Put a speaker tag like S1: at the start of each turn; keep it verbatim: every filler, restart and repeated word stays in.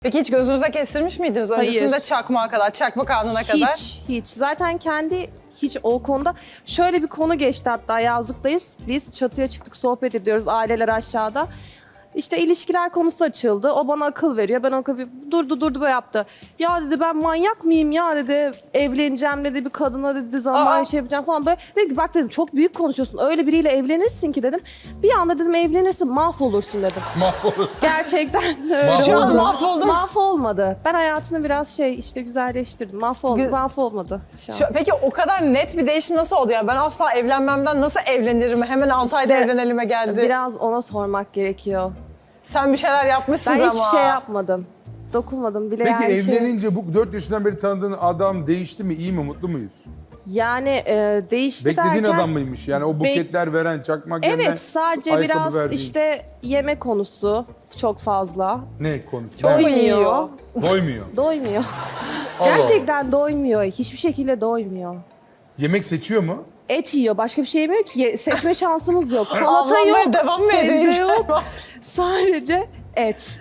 S1: Peki hiç gözünüze kestirmiş miydiniz?
S2: Hayır.
S1: Öncesinde çakmağa kadar, çakmak anına kadar.
S2: Hiç, hiç. Zaten kendi hiç o konuda şöyle bir konu geçti, hatta yazlıktayız. Biz çatıya çıktık, sohbet ediyoruz, aileler aşağıda. İşte ilişkiler konusu açıldı. O bana akıl veriyor. Ben akıl durdu durdu böyle yaptı. Ya dedi, ben manyak mıyım ya dedi. Evleneceğim dedi, bir kadına dedi zaman
S1: Aa.
S2: şey yapacağım falan böyle. Dedi ki bak dedim, çok büyük konuşuyorsun. Öyle biriyle evlenirsin ki dedim. Bir anda dedim evlenirsin, mahvolursun dedim.
S3: Mahvolursun.
S2: Gerçekten öyle
S3: Mahvoldun.
S1: Şu an
S2: oldu.
S1: mahvoldum.
S2: Mahvolmadı. Ben hayatını biraz şey işte güzelleştirdim. Mahvoldu.
S1: Gü-
S2: Mahvolmadı şu an.
S1: Şu- peki o kadar net bir değişim nasıl oldu ya? Ben asla evlenmemden nasıl evlenirim? Hemen altı ayda
S2: İşte
S1: evlenelime geldi.
S2: Biraz ona sormak gerekiyor.
S1: Sen bir şeyler yapmışsın
S2: Ben
S1: ama.
S2: hiçbir şey yapmadım. Dokunmadım bile.
S3: Peki
S2: yani şey-
S3: evlenince bu dört yaşından beri tanıdığın adam değişti mi? İyi mi? Mutlu muyuz?
S2: Yani e, değişti
S3: Beklediğin
S2: derken...
S3: adam mıymış? Yani o buketler veren, çakmak yenen,
S2: Evet, sadece
S3: ayakkabı
S2: biraz
S3: verdiğin.
S2: işte yeme konusu çok fazla.
S3: Ne konusu?
S1: Çok
S3: Ne?
S1: mu yiyor?
S3: Doymuyor.
S2: Doymuyor.
S3: Allah Allah.
S2: Gerçekten doymuyor. Hiçbir şekilde doymuyor.
S3: Yemek seçiyor mu?
S2: Et yiyor. Başka bir şey yemiyor ki. Ye- Seçme şansımız yok. Salata
S1: Avlanmaya
S2: yok.
S1: devam mı
S2: Sebze
S1: edeyim?
S2: yok. Sadece et.